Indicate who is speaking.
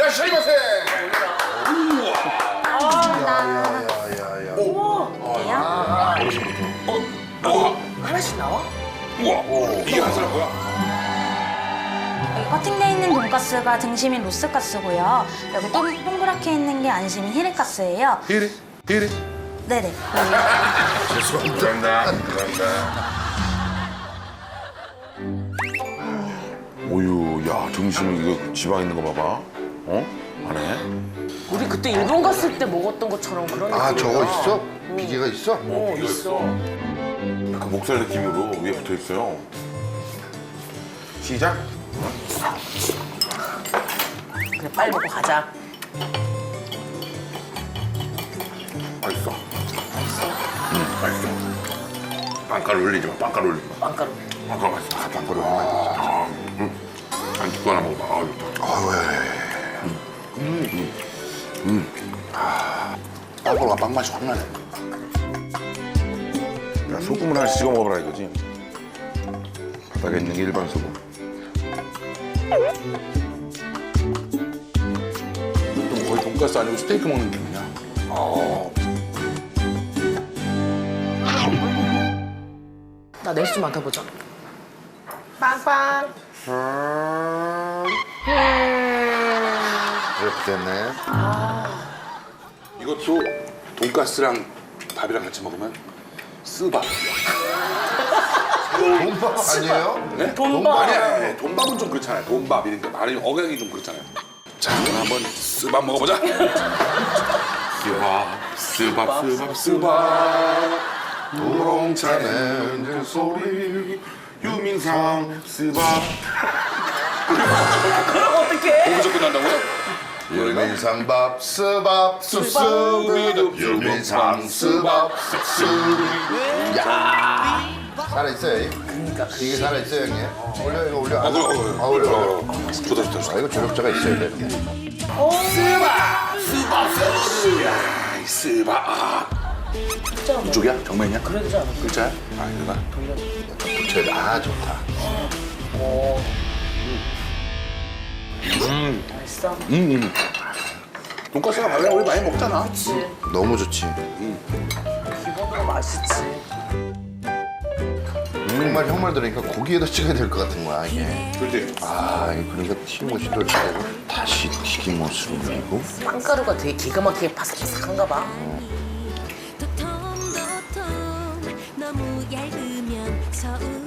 Speaker 1: 이라샤이마세.
Speaker 2: 야야야야.
Speaker 3: 하나씩 나와?
Speaker 1: 우와. 이게 한 사람 뭐야?
Speaker 4: 여기 커팅돼 있는 돈가스가 등심인 로스가스고요. 여기 동그랗게 있는 게 안심인 히레가스예요.
Speaker 1: 히레.
Speaker 4: 네네.
Speaker 1: 감사합니다. 오유, 야, 등심 이거 지방 있는 거 봐봐. 어? 안에?
Speaker 3: 우리 그때 일본 갔을 때 먹었던 것처럼 그런
Speaker 2: 아
Speaker 3: 느낌이다.
Speaker 2: 저거 있어? 비계가 있어?
Speaker 3: 어, 있어.
Speaker 1: 약간 목살 느낌으로 위에 붙어 있어요. 시작.
Speaker 3: 그래, 빨리 먹고 가자.
Speaker 1: 맛있어. 맛있어. 빵가루 올리지 마. 빵가루 올리지 마.
Speaker 3: 빵가루.
Speaker 1: 빵가루 맛있어.
Speaker 2: 빵가루 얼마나 있어?
Speaker 1: 안죽도 하나 먹어봐. 아유,
Speaker 2: 빵가루가 빵 맛이 확 나네.
Speaker 1: 야, 소금을 하나 찍어 먹어봐라 이거지. 바닥에 있는 게 일반 소금. 좀 거의 돈가스 아니고 스테이크 먹는 느낌이야.
Speaker 3: 나 낼수 많다 보자. 빵빵.
Speaker 2: 이렇게 됐네.
Speaker 1: 이것도 돈가스랑 밥이랑 같이 먹으면 쓰밥.
Speaker 2: 돈밥 아니에요?
Speaker 1: 네?
Speaker 3: 돈밥.
Speaker 1: 아니야. 돈밥은 좀 그렇잖아요. 돈밥 이러니까 말이 억양이 좀 그렇잖아요. 자, 그럼 한번 쓰밥 먹어보자. 쓰밥. 우렁차는 소리 유민상 쓰밥.
Speaker 3: 그럼 어떡해?
Speaker 1: 거기서 끝난다고요?
Speaker 2: 유민상밥 스밥 쑥쑥 유민상 스밥 쑥쑥. 야 살아있어요.
Speaker 3: 그러니까
Speaker 2: 이게 살아있어요 형님. 올려 이거 올려.
Speaker 1: 아, 그럼.
Speaker 2: 올려.
Speaker 1: 좋다.
Speaker 2: 아 이거 조력자가 있어야 돼.
Speaker 1: 야, 이 쓰밥. 이쪽이야? 정면이야?
Speaker 3: 그래도 되지 않아?
Speaker 1: 글자야? 아, 이거다.
Speaker 2: 붙여야 돼. 아 좋다.
Speaker 3: 맛있어.
Speaker 1: 돈가스가 밥이랑 우리 많이 먹잖아.
Speaker 3: 그치.
Speaker 2: 너무 좋지.
Speaker 3: 기본으로 맛있지.
Speaker 2: 정말 형 말 들으니까 고기에다 찍어야 될 것 같은 거야 이게.
Speaker 1: 그렇지.
Speaker 2: 아 이거 그러니까 튀김옷이 또 잘고 다시 튀김옷을 올리고.
Speaker 3: 빵가루가 되게 기가 막히게 바삭바삭한가 봐.
Speaker 5: 도톰도톰 너무 얇으면 서운해